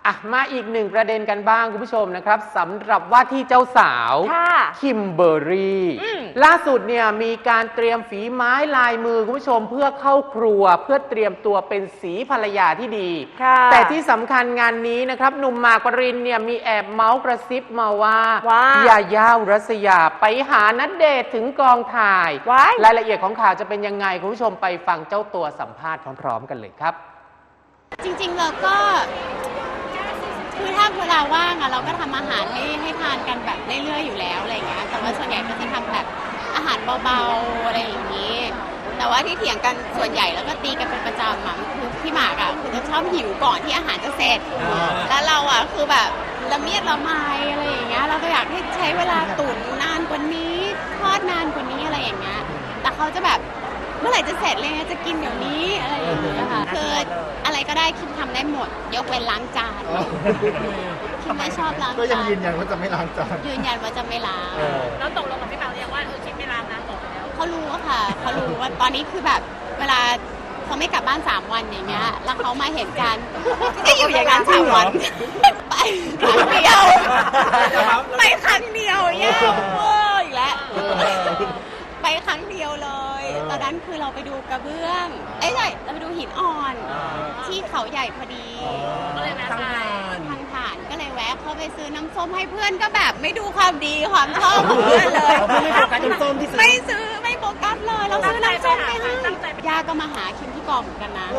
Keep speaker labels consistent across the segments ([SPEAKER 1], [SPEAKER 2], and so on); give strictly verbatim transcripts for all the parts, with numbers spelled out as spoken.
[SPEAKER 1] อ่ะมาอีกหนึ่งประเด็นกันบ้างคุณผู้ชมนะครับสำหรับว่าที่เจ้าสาวคิมเบอร์รี่ล่าสุดเนี่ยมีการเตรียมฝีไม้ลายมือคุณผู้ชมเพื่อเข้าครัวเพื่อเตรียมตัวเป็นสีภรรยาที่ดีแต่ที่สำคัญงานนี้นะครับหนุ่มหมากปรินเนี่ยมีแอบเมาส์กระซิบมาว่าว่าญาย่าอุรัสยาไปหาณเดชน์ถึงกองถ่ายรายละเอียดของข่าวจะเป็นยังไงคุณผู้ชมไปฟังเจ้าตัวสัมภาษณ์พร้อมๆกันเลยครับ
[SPEAKER 2] จริงๆเราก็คือถ้าเวลาว่างอะเราก็ทำอาหารให้ให้ทานกันแบบเรื่อยๆอยู่แล้วอะไรเงี้ยแต่ว่าส่วนใหญ่ก็จะทำแบบอาหารเบาๆอะไรอย่างนี้แต่ว่าที่เถียงกันส่วนใหญ่แล้วก็ตีกันเป็นประจำอะคือพี่หมากอะคือจะชอบหิวก่อนที่อาหารจะเสร็จแล้วเราอะคือแบบละเมียดละไมอะไรอย่างเงี้ยเราก็อยากให้ใช้เวลาตุ๋นนานกว่านี้ทอดนานกว่านี้อะไรอย่างเงี้ยแต่เขาจะแบบเมื่อไหร่จะเสร็จเลยจะกินเดี๋ยวนี้อะไรอย่างเงี้ยค่ะคืออะไรก็ได้คิมทำได้หมดยกเว้นล้างจานคิมไม่ชอบล้างจานก็
[SPEAKER 3] ยังยืนยันว่าจะไม่ล้างจาน
[SPEAKER 2] ยืนยันว่าจะไม่ล้าง
[SPEAKER 4] แล้วตกลงกับพี่เปาเรียกว่าเออคิมไม่ล้างนะบอกแล้ว
[SPEAKER 2] เขารู้ค่ะเขารู้ว่าตอนนี้คือแบบเวลาเขาไม่กลับบ้านสามวันอย่างเงี้ยแล้วเขามาเห็นกันก็อยู่อย่างนั้นสามวันไปครั้งเดียวไปครั้งเดียวแย่เวอร์อีกแล้วไปครั้งเดียวเลยตอนนั้นคือเราไปดูกระเบื้องเอ้ยใช่เราไปดูหินอ่อนที่เขาใหญ่พอดี
[SPEAKER 4] ก็เลยแวะไป
[SPEAKER 2] ทางผ่านก็เลยแวะเข้าไปซื้อน้ำส้มให้เพื่อนก็แบบไม่ดูความดีความชอบของเพื่อนเลย
[SPEAKER 3] ไม่โฟกัสน้ำส้มที่ซื้อ
[SPEAKER 2] ไม่ซื้อไม่โฟกัสเลยเราซื้อน้ำส้มไปให้ย่าก็มาหาคิมที่กองเหมือนกันนะ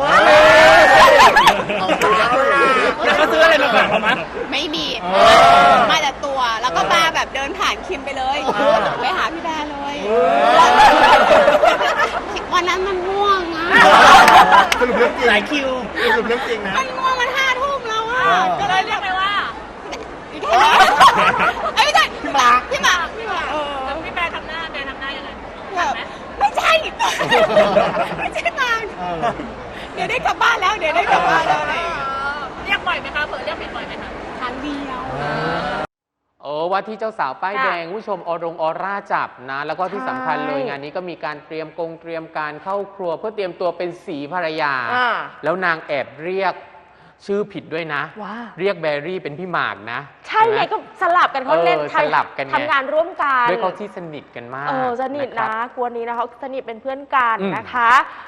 [SPEAKER 3] แล้วก็ซื้ออะไรมาฝากเขามั้ย
[SPEAKER 2] ไม่มีมาแต่ตัวแล้วก็มาแบบเดินผ่านคิมไปเลยไปหาพี่แบร์เลยวันนั้นมันง่วงอะ
[SPEAKER 3] สรุปเรื่องจริงหลายคิวสรุปเรื่องจริงนะ
[SPEAKER 2] มันง่วงมันห้าทุ่มแล้วอะ
[SPEAKER 4] ก็เลยเรียกไปว่า
[SPEAKER 2] ไอ้ไม่ใช่พี่หมากพี่หมากพี่หมาก
[SPEAKER 4] แล้วพี่แบร์ทำหน้าแบร์ทำหน้ายังไง
[SPEAKER 2] ไม่ใช่ไม่ใช่นางเดี๋ยวได้กลับบ้านแล้วเดี๋ยวได้กลับบ้านแล้ว
[SPEAKER 4] เรียกบ่อยไหมคะเผื่อเรียกผิดบ่อยไหมคะ
[SPEAKER 2] ครั้งเดียว
[SPEAKER 1] โอ้ว่าที่เจ้าสาวป้ายแดงผู้ชมอรงออร่าจับนะแล้วก็ที่สำคัญเลยงานนี้ก็มีการเตรียมกงเตรียมการเข้าครัวเพื่อเตรียมตัวเป็นสีภรรยาแล้วนางแอบเรียกชื่อผิดด้วยนะเรียกแบรี่เป็นพี่หมากนะ
[SPEAKER 5] ใช่ไงก็สลับกันเขาเล่น
[SPEAKER 1] สลับกัน
[SPEAKER 5] ทำงานร่วมกัน
[SPEAKER 1] ด้วยเขาที่สนิทกันมาก
[SPEAKER 5] เออสนิทนะกวนนี้นะเขาสนิทเป็นเพื่อนกันนะคะ